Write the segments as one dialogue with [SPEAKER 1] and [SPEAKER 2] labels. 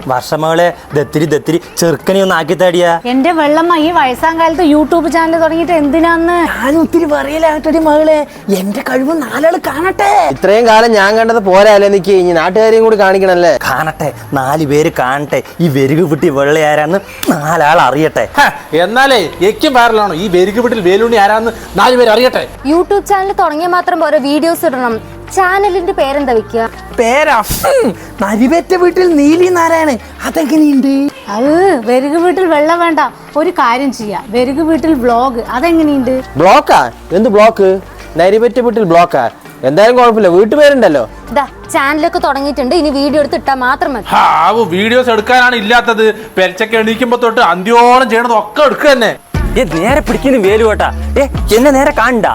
[SPEAKER 1] വർഷമകളെ ദത്തിരി ചെറുക്കനെ ഒന്ന് ആക്കി തടിയാ.
[SPEAKER 2] എന്റെ വെള്ളമ്മ ഈ വയസ്സാം കാലത്ത് യൂട്യൂബ് ചാനൽ തുടങ്ങിയിട്ട് എന്തിനാന്ന്
[SPEAKER 3] ഞാൻ ഒത്തിരി പറയലാട്ടടി മകളെ, എന്റെ കഴിവ് നാലാള് കാണട്ടെ.
[SPEAKER 4] ഇത്രയും കാലം ഞാൻ കണ്ടത് പോരാല്ലേ, നിക്ക് ഇനി നാട്ടുകാരെയും കൂടി കാണിക്കണല്ലേ.
[SPEAKER 1] കാണട്ടെ, 4 പേര് കാണട്ടെ, ഈ വെരുകു വിട്ടി വെള്ളയാരാന്ന് 4 ആൾ അറിയട്ടെ.
[SPEAKER 5] എന്നാലേ എക്കും വൈറലാണോ ഈ വെരുകു വീട്ടിൽ വേലുണ്ണി ആരാന്ന് 4 പേര് അറിയട്ടെ.
[SPEAKER 6] യൂട്യൂബ് ചാനൽ തുടങ്ങിയ മാത്രം പോരെ, വീഡിയോസ് ഇടണം. ചാനലിന്റെ പേരെന്താ വെക്കുക?
[SPEAKER 3] പേരാ നരിവേറ്റ വീട്ടിൽ നീലി നാരായണൻ. അതെങ്ങനെയുണ്ട്?
[SPEAKER 2] അത് വെരുകു വീട്ടിൽ വെള്ളം വേണ്ട, ഒരു കാര്യം ചെയ്യാം, വെരുകു വീട്ടിൽ വ്ളോഗ്, അതെങ്ങനെയുണ്ട്?
[SPEAKER 4] ബ്ലോക്കാ? എന്ത് ബ്ലോക്ക്? നരിപറ്റ വീട്ടിൽ ബ്ലോക്കാ? എന്തായാലും കുഴപ്പമില്ല, വീട്ടുപേരുണ്ടല്ലോ.
[SPEAKER 6] ഇതാ ചാനലൊക്കെ തുടങ്ങിയിട്ടുണ്ട്, ഇനി വീഡിയോ എടുത്ത് ഇട്ടാ മാത്രം മതി.
[SPEAKER 5] വീഡിയോസ് എടുക്കാനാണ് ഇല്ലാത്തത്. പെരച്ചൊക്കെ എണീക്കുമ്പോ തൊട്ട് അന്ത്യോളം ചെയ്യണത് ഒക്കെ എടുക്കുക തന്നെ.
[SPEAKER 1] നേരെ പിടിക്കുന്നു വേലു കേട്ടാ. എന്നെ നേരെ കണ്ട.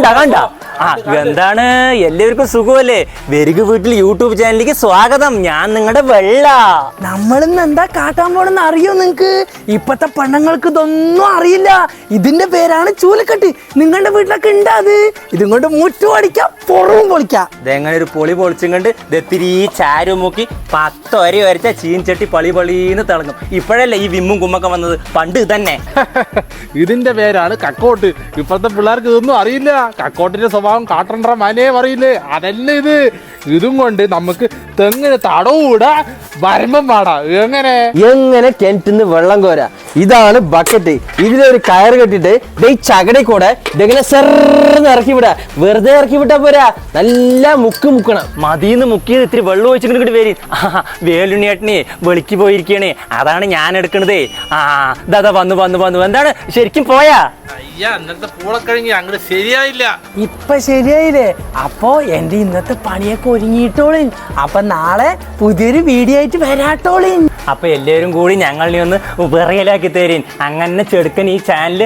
[SPEAKER 1] എന്താണ്, എല്ലാവർക്കും സുഖമല്ലേ? വെരുകു വീട്ടിൽ യൂട്യൂബ് ചാനലിലേക്ക് സ്വാഗതം. ഞാൻ നിങ്ങളുടെ വെള്ള.
[SPEAKER 3] നമ്മളിന്ന് എന്താ കാട്ടാൻ പോണെന്ന് അറിയോ നിങ്ങക്ക്? ഇപ്പത്തെ പെണ്ണുങ്ങൾക്ക് ഇതൊന്നും അറിയില്ല. ഇതിന്റെ പേരാണ് ചൂലക്കെട്ട്. നിങ്ങളുടെ വീട്ടിലൊക്കെ ഉണ്ടാ? അത് ഇതും കൊണ്ട് മുറ്റും അടിക്കാം, പുറവും പൊളിക്കാം.
[SPEAKER 1] ഇതെങ്ങനെ ഒരു പൊളി പൊളിച്ചും കണ്ട് ദത്തിരി ചാരു മുക്കി 10 വരെ വരച്ച ചീൻചട്ടി പളിന്ന് തിളങ്ങും. ഇപ്പോഴല്ലേ ഈ വിമ്മും കുമ്മൊക്കെ വന്നത്, പണ്ട് തന്നെ.
[SPEAKER 5] ഇതിന്റെ പേരാണ് കക്കോട്ട്. ഇപ്പോഴത്തെ പിള്ളേർക്ക് ഇതൊന്നും അറിയില്ല. കക്കോട്ടിന്റെ സ്വഭാവം കാട്ടണ്ട മനേ പറയില്ലേ, അതല്ല ഇത്. ഇതും കൊണ്ട് നമുക്ക് തെങ്ങിന് തടവൂടാ, വരമ്പം പാടാ. എങ്ങനെ
[SPEAKER 4] കിണറ്റിന്ന് വെള്ളം കോരാ? ഇതാണ് ബക്കറ്റ്. ഇതിലൊരു കയറ് കെട്ടിട്ട് ഈ ചകടി കൂടെ ഇതെങ്ങനെ സെർന്ന് ഇറക്കി വിടാ. വെറുതെ ഇറക്കി വിട്ടാ പോരാ, നല്ല മുക്കണം.
[SPEAKER 1] മതിന്ന് മുക്കിയത് ഇത്തിരി വെള്ളം ഒഴിച്ചിട്ട് വരും. വേലുണ്ണിയേട്ടനെ വെളിക്ക് പോയിരിക്കണേ, അതാണ് ഞാൻ എടുക്കണതേ. ദാ വന്നു. എന്താണ് ശരിക്കും പോയാ?
[SPEAKER 5] ഇന്നത്തെ പൂളക്കഴിഞ്ഞ് അങ്ങോട്ട് ശരിയായില്ല.
[SPEAKER 3] ഇപ്പൊ ശരിയായില്ലേ? അപ്പൊ എന്റെ ഇന്നത്തെ പണിയൊക്കെ ഒരുങ്ങിയിട്ടോളിൻ. അപ്പൊ നാളെ പുതിയൊരു വീഡിയോ ആയിട്ട് വരാട്ടോളിൻ.
[SPEAKER 1] അപ്പൊ എല്ലാവരും കൂടി ഞങ്ങളെ ഒന്ന് വിറയലാക്കി തരും. അങ്ങനെ ചെടുക്കൻ ഈ ചാനല്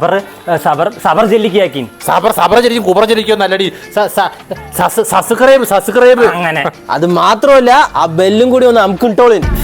[SPEAKER 1] സബർ ജെല്ലിക്കാക്കി.
[SPEAKER 5] സബർ ജലിക്കും കുബറ ജലിക്കും നല്ലടി. സബ്സ്ക്രൈബ്
[SPEAKER 1] അങ്ങനെ.
[SPEAKER 4] അത് മാത്രമല്ല, ആ ബെല്ലും കൂടി ഒന്ന് അമുക്കിട്ടോളിൻ.